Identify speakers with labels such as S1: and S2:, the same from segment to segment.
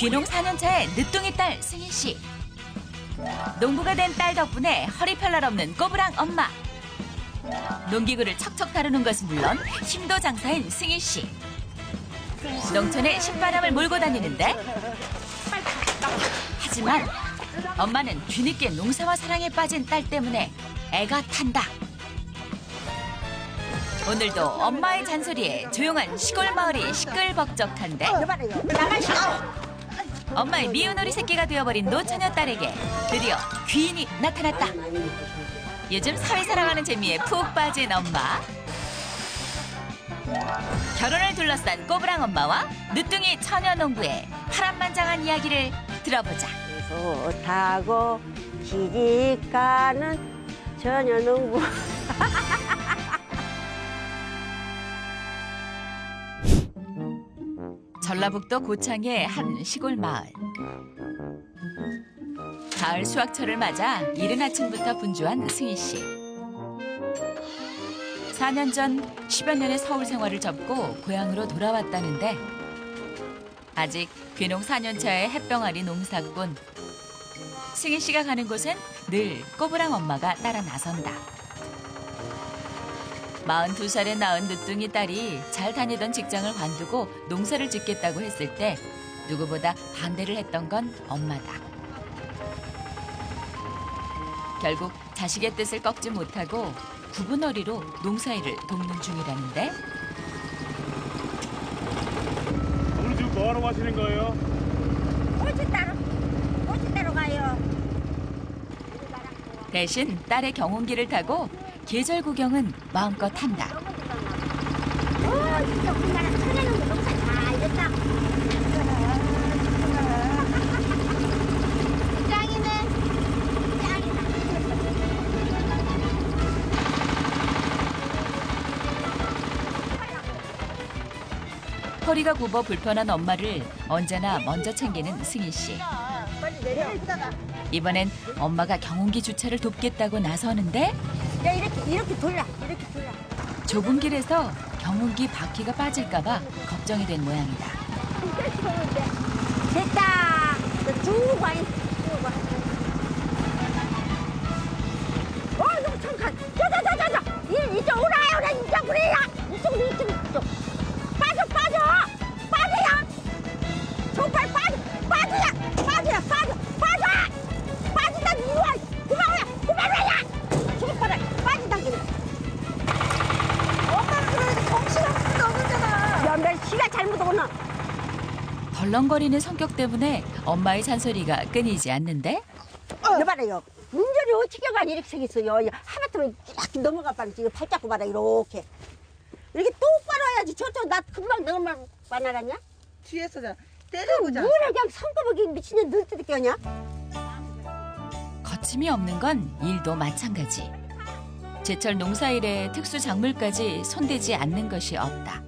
S1: 귀농 4년차의 늦둥이 딸 승희 씨. 농부가 된 딸 덕분에 허리 펼날 없는 꼬부랑 엄마. 농기구를 척척 다루는 것은 물론 힘도 장사인 승희 씨. 농촌에 신바람을 몰고 다니는데 하지만 엄마는 뒤늦게 농사와 사랑에 빠진 딸 때문에 애가 탄다. 오늘도 엄마의 잔소리에 조용한 시골 마을이 시끌벅적한데 엄마의 미운 어리 새끼가 되어버린 노처녀 딸에게 드디어 귀인이 나타났다. 요즘 사회살아가는 재미에 푹 빠진 엄마. 결혼을 둘러싼 꼬부랑 엄마와 늦둥이 처녀 농부의 파란만장한 이야기를 들어보자.
S2: 좋다고 시집가는 처녀 농부.
S1: 전라북도 고창의 한 시골 마을. 가을 수확철을 맞아 이른 아침부터 분주한 승희 씨. 4년 전 10여 년의 서울 생활을 접고 고향으로 돌아왔다는데 아직 귀농 4년 차의 햇병아리 농사꾼. 승희 씨가 가는 곳엔 늘 꼬부랑 엄마가 따라 나선다. 42살에 낳은 늦둥이 딸이 잘 다니던 직장을 관두고 농사를 짓겠다고 했을 때 누구보다 반대를 했던 건 엄마다. 결국 자식의 뜻을 꺾지 못하고 구분어리로 농사일을 돕는 중이라는데
S3: 오늘 지금 뭐하러 가시는 거예요?
S2: 꽃이 따러 가요.
S1: 대신 딸의 경운기를 타고 계절 구경은 마음껏 한다.
S2: 진짜 우리나라 천혜 농부 농사 잘 됐다. 짱이네. 짱이다.
S1: 허리가 굽어 불편한 엄마를 언제나 먼저 챙기는 승희 씨.
S2: 빨리 내려.
S1: 이번엔 엄마가 경운기 주차를 돕겠다고 나서는데
S2: 야 이렇게 돌려. 이렇게 돌려.
S1: 좁은 길에서 경운기 바퀴가 빠질까 봐 걱정이 된 모양이다.
S2: 됐다. 쭉 와. 쭉 와. 너무 잠깐. 저. 이쪽 오라. 이쪽 그래야. 이쪽. 빠져야. 정말 빠져야. 빠진다. 이리 와. 그만해. 저기 봐라. 빠진다 그래. 엄마는 그래도 정신없이 너무잖아. 야, 내 시가 잘못 오나.
S1: 덜렁거리는 성격 때문에 엄마의 잔소리가 끊이지 않는데
S2: 여봐라요. 운전이 어떻게 가니 이렇게 생겼어요. 하마터면 이렇게 넘어가 봐라. 지금 팔 잡고 봐라. 이렇게 똑바로 해야지. 저쪽 나 금방 넘어만 나가냐?
S4: 뒤에서 때려보자.
S2: 뭐라 그냥 손꼽기 미친년 늙듯이 껴냐?
S1: 거침이 없는 건 일도 마찬가지. 제철 농사일에 특수 작물까지 손대지 않는 것이 없다.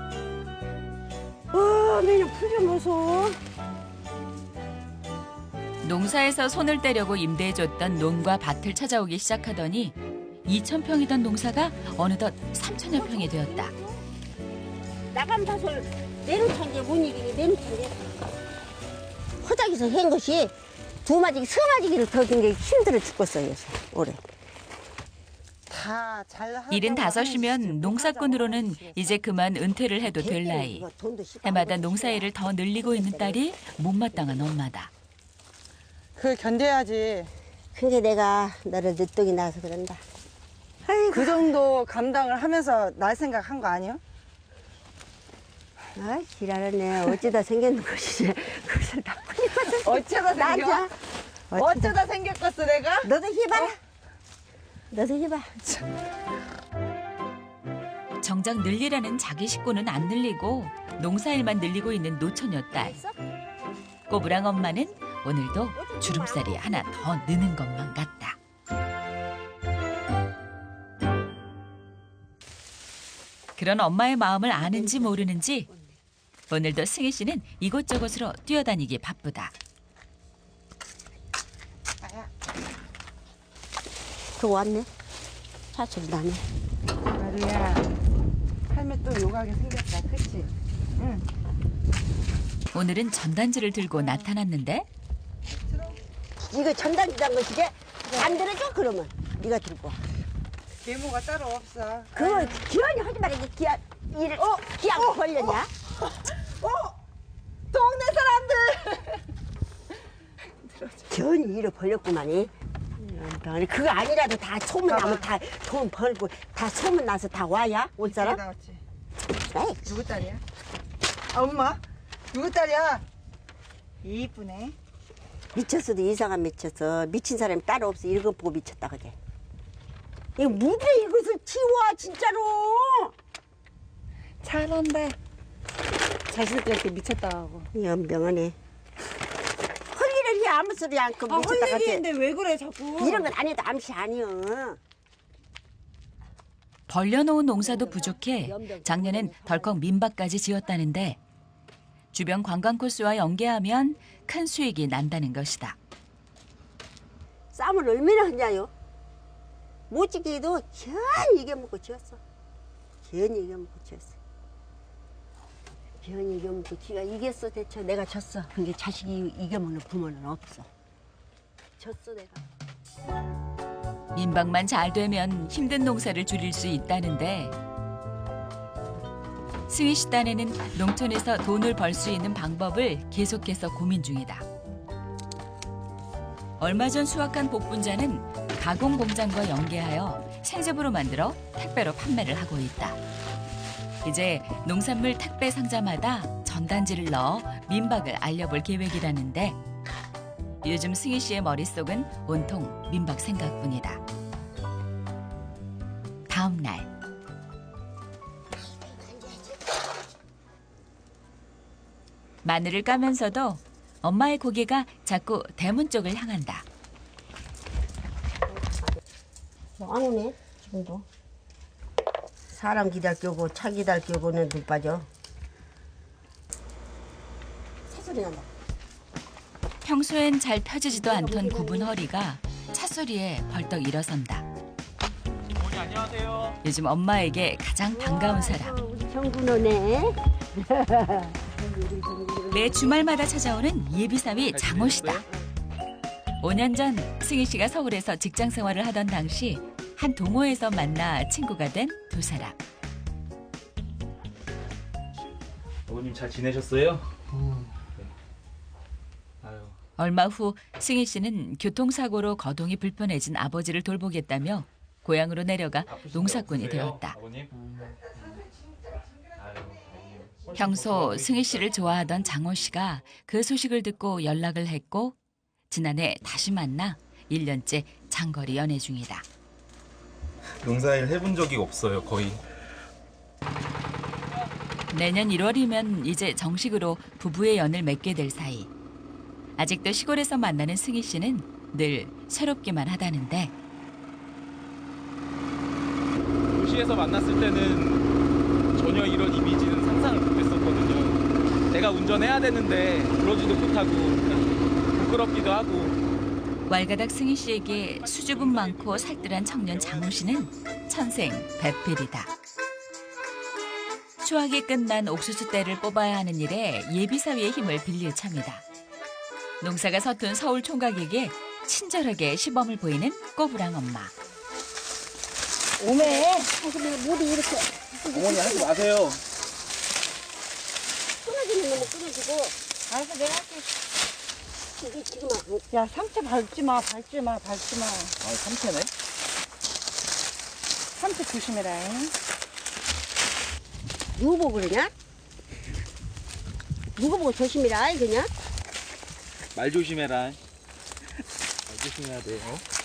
S2: 매년 풀좀 보소.
S1: 농사에서 손을 떼려고 임대해줬던 논과 밭을 찾아오기 시작하더니 2,000평이던 농사가 어느덧 3,000여 평이 되었다.
S2: 나간 밭을 내놓던 게 못 이기니 내놓던 게. 허작에서 한 것이 두 마지기, 세 마지기를 더 긴 게 힘들어 죽겠어요, 올해.
S4: 다 잘.
S1: 75이면 농사꾼으로는 이제 그만 은퇴를 해도 될 나이. 해마다 농사일을 더 늘리고 있는 딸이 못마땅한 엄마다.
S4: 그걸 견뎌야지.
S2: 그게 내가 너를 늦둥이 낳아서 그런다. 아이고.
S4: 그 정도 감당을 하면서 날 생각한 거 아니요?
S2: 아, 지랄하네. 어쩌다 생겼는 것이지. 그것을 다 풀리거든.
S4: 어쩌다 생겨?
S2: 나자.
S4: 어쩌다 생겼겠어 내가?
S2: 너도 해봐라. 너도 해봐.
S1: 정작 늘리라는 자기 식구는 안 늘리고 농사일만 늘리고 있는 노처녀 딸. 꼬부랑 엄마는 오늘도 주름살이 하나 더 느는 것만 같다. 그런 엄마의 마음을 아는지 모르는지 오늘도 승희 씨는 이곳저곳으로 뛰어다니기 바쁘다.
S2: 또 왔네. 사실 나네.
S4: 마루야, 할매 또 요가하게 생겼다, 그치? 응.
S1: 오늘은 전단지를 들고 나타났는데
S2: 이거 전단지 담은 것이지? 안 들어줘 그러면 네가 들고 와.
S4: 계모가 따로 없어.
S2: 그거 기한이 하지 말아. 이게 기한 일을 기한 걸렸냐?
S4: 동네 사람들.
S2: 기한이 일을 벌렸구만이. 그거 아니라도 다 소문 나면 다 돈 벌고 다 소문 나서 다 와야 올 사람?
S4: 나왔지.
S2: 에이,
S4: 누구 딸이야? 아, 엄마? 누구 딸이야? 이쁘네.
S2: 미쳤어도 이상한 미쳤어. 미친 사람이 따로 없어. 이거 보고 미쳤다 그게. 이거 무대 이것을 치워 진짜로.
S4: 잘한다. 자식들한테 미쳤다 하고.
S2: 연병하네. 헐리를 해 아무 소리 않고
S4: 아,
S2: 미쳤다 같아.
S4: 헐리기인데 왜 그래 자꾸.
S2: 이런 건 아니도 암시 아니여.
S1: 벌려놓은 농사도 부족해 작년엔 덜컥 민박까지 지었다는데 주변 관광 코스와 연계하면 큰 수익이 난다는 것이다.
S2: 쌈을 얼마나 하냐요? 못지기도 현히 이겨먹고 지었어. 현히 이겨먹고 지었어. 현히 이겨먹고 지가 이겼어 대체. 내가 졌어. 근데 자식이 이겨먹는 부모는 없어. 졌어 내가.
S1: 민박만 잘 되면 힘든 농사를 줄일 수 있다는데 승희 씨 딴에는 농촌에서 돈을 벌 수 있는 방법을 계속해서 고민 중이다. 얼마 전 수확한 복분자는 가공 공장과 연계하여 생즙으로 만들어 택배로 판매를 하고 있다. 이제 농산물 택배 상자마다 전단지를 넣어 민박을 알려볼 계획이라는데 요즘 승희 씨의 머릿속은 온통 민박 생각뿐이다. 다음 날 마늘을 까면서도 엄마의 고개가 자꾸 대문 쪽을 향한다.
S2: 안 오네 지금도. 사람 기다릴 겨고 차 기다릴 겨고는 눈 빠져. 새소리 난다.
S1: 평소엔 잘 펴지지도 않던 굽은 허리가 찻소리에 벌떡 일어선다.
S3: 어머니 안녕하세요.
S1: 요즘 엄마에게 가장 반가운 사람.
S2: 우리 정군호네.
S1: 매 주말마다 찾아오는 예비사위 장호 씨다. 5년 전 승희 씨가 서울에서 직장 생활을 하던 당시 한 동호회에서 만나 친구가 된 두 사람.
S3: 어머님 잘 지내셨어요? 네. 아유.
S1: 얼마 후 승희 씨는 교통사고로 거동이 불편해진 아버지를 돌보겠다며 고향으로 내려가 농사꾼이 되었다.
S3: 아버님? 아유, 어머님.
S1: 평소 승희 씨를 좋아하던 장호 씨가 그 소식을 듣고 연락을 했고 지난해 다시 만나 1년째 장거리 연애 중이다.
S5: 농사일 해본 적이 없어요, 거의.
S1: 내년 1월이면 이제 정식으로 부부의 연을 맺게 될 사이. 아직도 시골에서 만나는 승희 씨는 늘 새롭기만 하다는데
S3: 도시에서 만났을 때는 전혀 이런 이미지는 상상을 못했었거든요. 내가 운전해야 되는데 그러지도 못하고 부끄럽기도 하고.
S1: 왈가닥 승희 씨에게 수줍음 많고 살뜰한 청년 장호 씨는 천생 배필이다. 수확이 끝난 옥수수 떼를 뽑아야 하는 일에 예비사위의 힘을 빌릴 참이다. 농사가 서툰 서울 총각에게 친절하게 시범을 보이는 꼬부랑 엄마.
S2: 오메. 아이고 내가 모두 이렇게
S3: 어머니 하지 마세요.
S2: 끊어지는 놈은 끊어지고.
S4: 알았어, 내가 할게.
S2: 이게 지금
S4: 야, 상체 밟지 마, 밟지 마, 밟지 마.
S3: 아, 삼태네.
S4: 상체 조심해라.
S2: 누구 보고 그러냐? 누구 보고 조심이라 그냥?
S3: 말 조심해라. 말 조심해야 돼.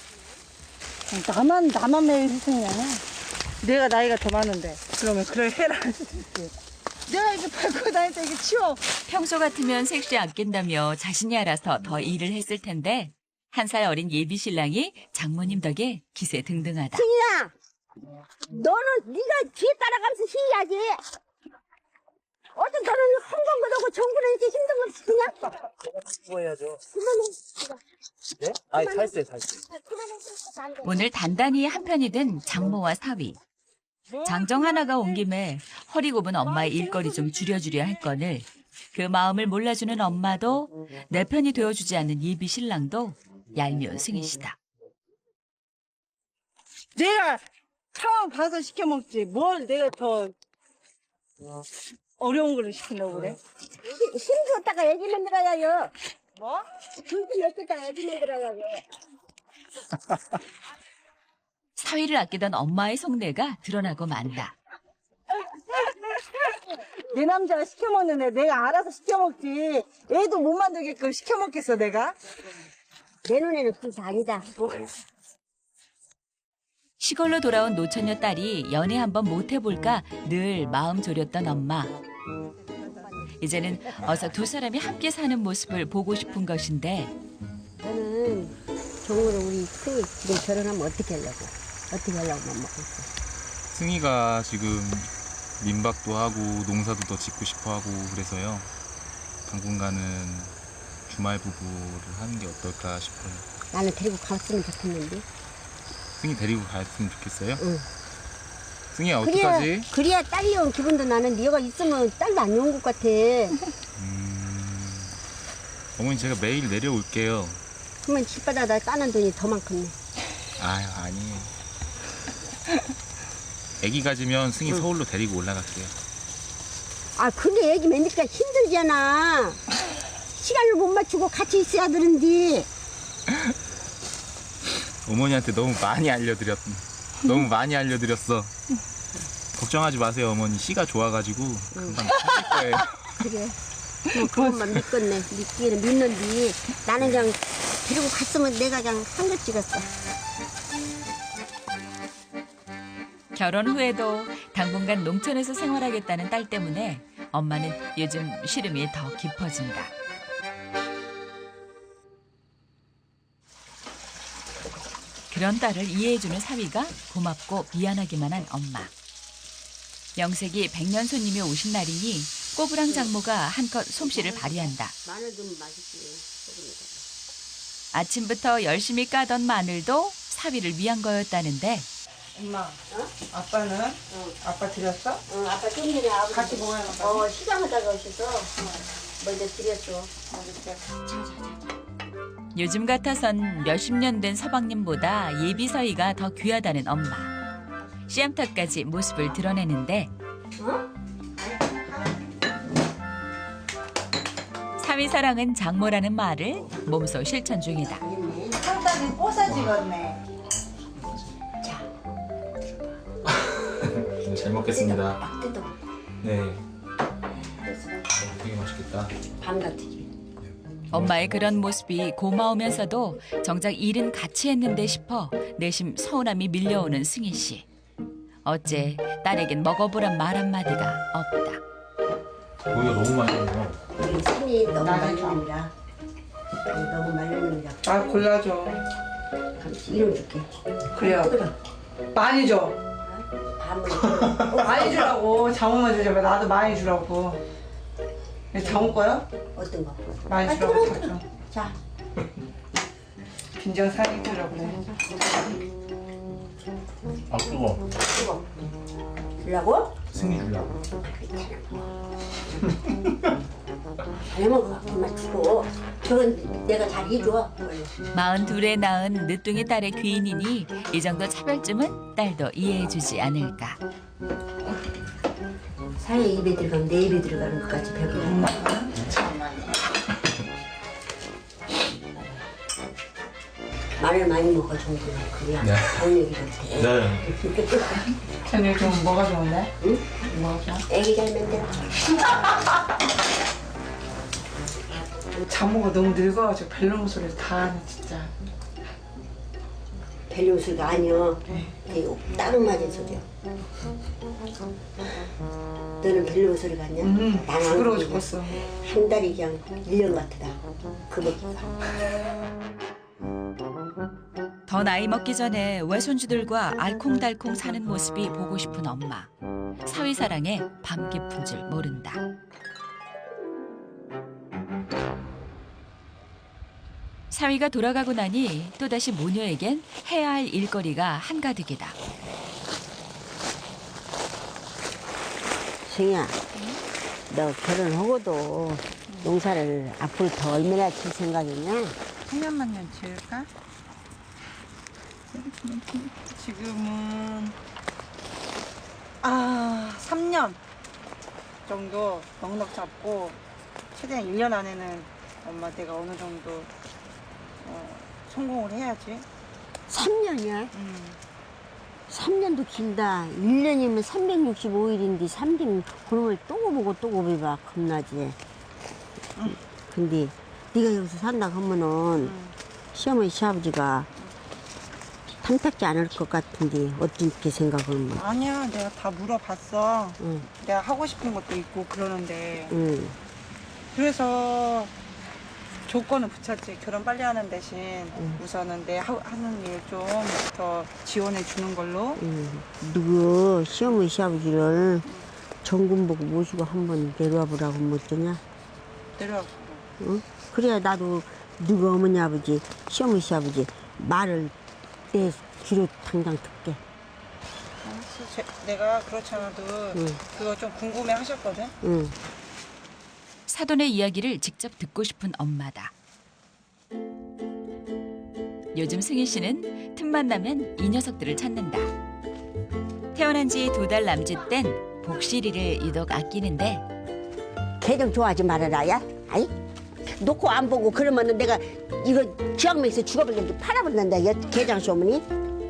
S4: 나만 매일 희생이야. 내가 나이가 더 많은데. 그러면 그래 해라. 내가 이렇게 밟고 다닐 때 이게 치워.
S1: 평소 같으면 색시 아낀다며 자신이 알아서 더 일을 했을 텐데 1살 어린 예비 신랑이 장모님 덕에 기세 등등하다.
S2: 승희야, 너는 네가 뒤에 따라가면서 희야지. 어떤 너는 헝벙거리고 정부는 이렇게 힘든 걸 시키냐?
S3: 뭐 해야죠?
S2: 그만해.
S3: 네? 아니, 살세.
S2: 그만해.
S1: 오늘 단단히 한편이 된 장모와 사위. 장정 하나가 온 김에 허리 굽은 엄마의 일거리 좀 줄여주려 할 건을 그 마음을 몰라주는 엄마도 내 편이 되어주지 않는 예비 신랑도 얄미운 승희 씨다.
S4: 내가 처음 봐서 시켜 먹지. 뭘 내가 더 어려운 거를 시키려고 그래?
S2: 힘줬다가 애기 만들어야요.
S4: 뭐?
S2: 힘 줬다가 애기 만들어야요.
S1: 사위를 아끼던 엄마의 속내가 드러나고 만다.
S4: 내 남자가 시켜 먹는데 내가 알아서 시켜 먹지. 애도 못 만들게끔 시켜 먹겠어 내가?
S2: 내 눈에는 그게 아니다.
S1: 시골로 돌아온 노처녀 딸이 연애 한번 못 해볼까 늘 마음 졸였던 엄마. 이제는 어서 두 사람이 함께 사는 모습을 보고 싶은 것인데
S2: 저는 정으로 우리 승희 지금 결혼하면 어떻게 하려고? 어떻게 하려고 맘 먹고 있어.
S5: 승희가 지금 민박도 하고 농사도 더 짓고 싶어 하고 그래서요. 당분간은 주말 부부를 하는 게 어떨까 싶어요.
S2: 나는 데리고 갔으면 좋겠는데.
S5: 승희 데리고 갔으면 좋겠어요?
S2: 응.
S5: 승희야
S2: 그래야,
S5: 어떡하지?
S2: 그래야 딸이 온 기분도 나는 네가 있으면 딸도 안 온 것 같아.
S5: 어머니 제가 매일 내려올게요.
S2: 그러면 집바다 나 따는 돈이 더 많겠네.
S5: 아유 아니에요. 애기 가지면 승희 서울로 데리고 올라갈게요.
S2: 아 근데 애기 맨니까 힘들잖아. 시간을 못 맞추고 같이 있어야 되는데.
S5: 어머니한테 너무 많이 알려드렸어. 걱정하지 마세요 어머니. 씨가 좋아가지고 금방 터질 거예요.
S2: 그래. 뭐 그것만 믿겠네. 믿기는 믿는디. 나는 그냥 데리고 갔으면 내가 그냥 한글 찍었어.
S1: 결혼 후에도 당분간 농촌에서 생활하겠다는 딸 때문에 엄마는 요즘 시름이 더 깊어진다. 그런 딸을 이해해주는 사위가 고맙고 미안하기만 한 엄마. 명색이 백년 손님이 오신 날이니 꼬부랑 장모가 한껏 솜씨를 발휘한다.
S2: 마늘 좀 맛있지.
S1: 아침부터 열심히 까던 마늘도 사위를 위한 거였다는데
S4: 엄마, 아빠는? 아빠 드렸어?
S2: 응, 아까 좀 전에 아버지
S4: 같이 먹어요.
S2: 시장하다가 오셔서 먼저 드렸어.
S1: 요즘 같아선 몇십 년 된 서방님보다 예비 사위가 더 귀하다는 엄마. 씨암탉까지 모습을 드러내는데 사위 사랑은 장모라는 말을 몸소 실천 중이다.
S4: 상당히 뽀사지겠네.
S5: 잘 먹겠습니다.
S2: 막 뜯어.
S5: 네. 되게 맛있겠다.
S2: 밤 같으지.
S1: 엄마의 그런 모습이 고마우면서도 정작 일은 같이 했는데 싶어 내심 서운함이 밀려오는 승희 씨. 어째 딸에겐 먹어보란 말 한마디가 없다.
S5: 고기가 너무 맛있네요.
S2: 우리 손이 너무 말르느니라. 너무 말르느니라.
S4: 아 골라줘.
S2: 이름 줄게.
S4: 그래요.
S2: 뜯어.
S4: 많이 줘.
S2: 밤을
S4: 많이 주라고. 장모만 주지 마. 나도 많이 주라고. 장모 거야?
S2: 어떤 거?
S4: 많이 주라고 다 줘.
S2: 자,
S4: 빈정 상이 주라고 그래.
S5: 아 뜨거.
S2: 이거 주려고?
S5: 승희 주려고.
S2: 잘 먹어. 그만 주고. 저건 내가 잘 해줘.
S1: 42에 낳은 늦둥이 딸의 귀인이니 이 정도 차별쯤은 딸도 이해해주지 않을까.
S2: 사회 입에 들어가면 내 입에 들어가는 것까지 배우라. 마늘 많이 먹어 정도는 그래야
S5: 네.
S2: 정력이 좋대.
S5: 네.
S4: 저녁 좀 뭐가 좋은데?
S2: 응?
S4: 뭐가 좋아?
S2: 애기 잘 만들어.
S4: 장모가 너무 늙어가지고 벨로몬 소리를 다 하네 진짜.
S2: 벨리 소리가 아니여. 이거 다른 맞은 소리야. 너는 벨리 소리가 아니야? 나는
S4: 부끄러워 죽겠어.
S2: 한 달이 그냥 1년 같다. 그 먹기가.
S1: 더 나이 먹기 전에 외손주들과 알콩달콩 사는 모습이 보고 싶은 엄마. 사위 사랑에 밤 깊은 줄 모른다. 사위가 돌아가고 나니 또다시 모녀에겐 해야 할 일거리가 한가득이다.
S2: 승희야, 너 결혼하고도 농사를 앞으로 더 얼마나 칠 생각이냐?
S4: 3년만 지을까? 지금은 3년 정도 넉넉 잡고 최대한 1년 안에는 엄마 내가 어느 정도 성공을 해야지.
S2: 3년이야? 3년도 길다. 1년이면 365일인데 3년 그놈을 또 보고 또 고비봐. 겁나지. 근데 네가 여기서 산다 하면은 시어머니 시아버지가 탐탁지 않을 것 같은데 어떻게 생각하면?
S4: 아니야, 내가 다 물어봤어.
S2: 응.
S4: 내가 하고 싶은 것도 있고 그러는데
S2: 응.
S4: 그래서 조건을 붙였지. 결혼 빨리 하는 대신 우선은 내 하는 일 좀 더 지원해 주는 걸로.
S2: 누구 시어머니 시아버지를 정군 보고 모시고 한번 내려와 보라고 못 되냐?
S4: 내려와.
S2: 응? 그래야 나도 누구 어머니 아버지 시어머니 시아버지 말을 내 귀로 당장 듣게.
S4: 알았어. 내가 그렇지 않아도 그거 좀 궁금해 하셨거든.
S2: 응.
S1: 사돈의 이야기를 직접 듣고 싶은 엄마다. 요즘 승희 씨는 틈만 나면 이 녀석들을 찾는다. 태어난 지 2달 남짓된 복실이를 유독 아끼는데
S2: 걔 좀 좋아하지 말아라, 야. 아이? 놓고 안 보고 그러면은 내가 이거 지역명에서 죽어버리는데 팔아버린다, 개장수 어머니.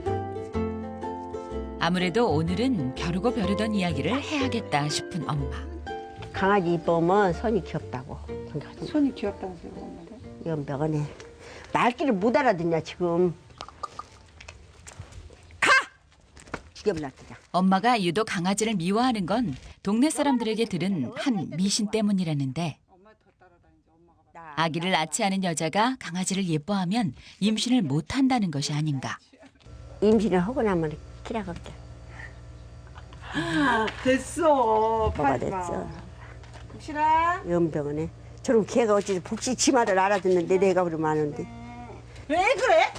S1: 아무래도 오늘은 벼르고 벼르던 이야기를 해야겠다 싶은 엄마.
S2: 강아지 이쁘면 손이 귀엽다고.
S4: 손이 귀엽다면서요, 엄마가?
S2: 연병원에 말귀를 못 알아듣냐 지금. 가! 죽여버려 그냥.
S1: 엄마가 유독 강아지를 미워하는 건 동네 사람들에게 들은 한 미신 때문이라는데 아기를 낳지 않은 여자가 강아지를 예뻐하면 임신을 못한다는 것이 아닌가.
S2: 임신을 하고 나면 키라갈게.
S4: 됐어.
S2: 뭐가 됐어?
S4: 복실아.
S2: 연병원에 저런 개가 어찌 복시 치마를 알아듣는데 내가 그러면 아는데.
S4: 왜 그래?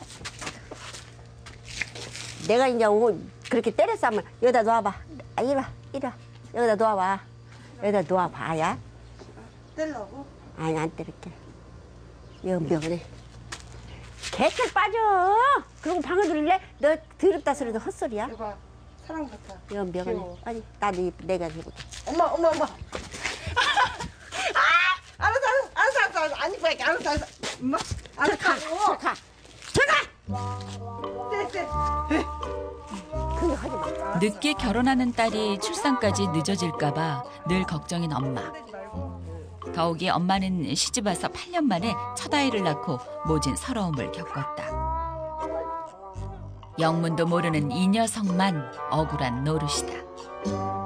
S2: 내가 이제 그렇게 때렸어 하면 여기다 놓아봐. 아, 이리 와. 여기다 놓아봐. 여기다 놓아봐야.
S4: 떼려고?
S2: 아니 안 때릴게. 연병원에 개털 빠져. 그리고 방을 들일래? 너 더럽다 소리도 헛소리야.
S4: 이봐, 사랑 같아.
S2: 연병원에
S4: 귀여워.
S2: 아니 나도 내가 해볼게.
S4: 엄마. 알았어. 안 이뻐할게. 알았어. 엄마, 알았어.
S2: 가.
S4: 떼.
S2: 그거 하지 마.
S1: 늦게 결혼하는 딸이 출산까지 늦어질까 봐 늘 걱정인 엄마. 더욱이 엄마는 시집 와서 8년 만에 첫 아이를 낳고 모진 서러움을 겪었다. 영문도 모르는 이 녀석만 억울한 노릇이다.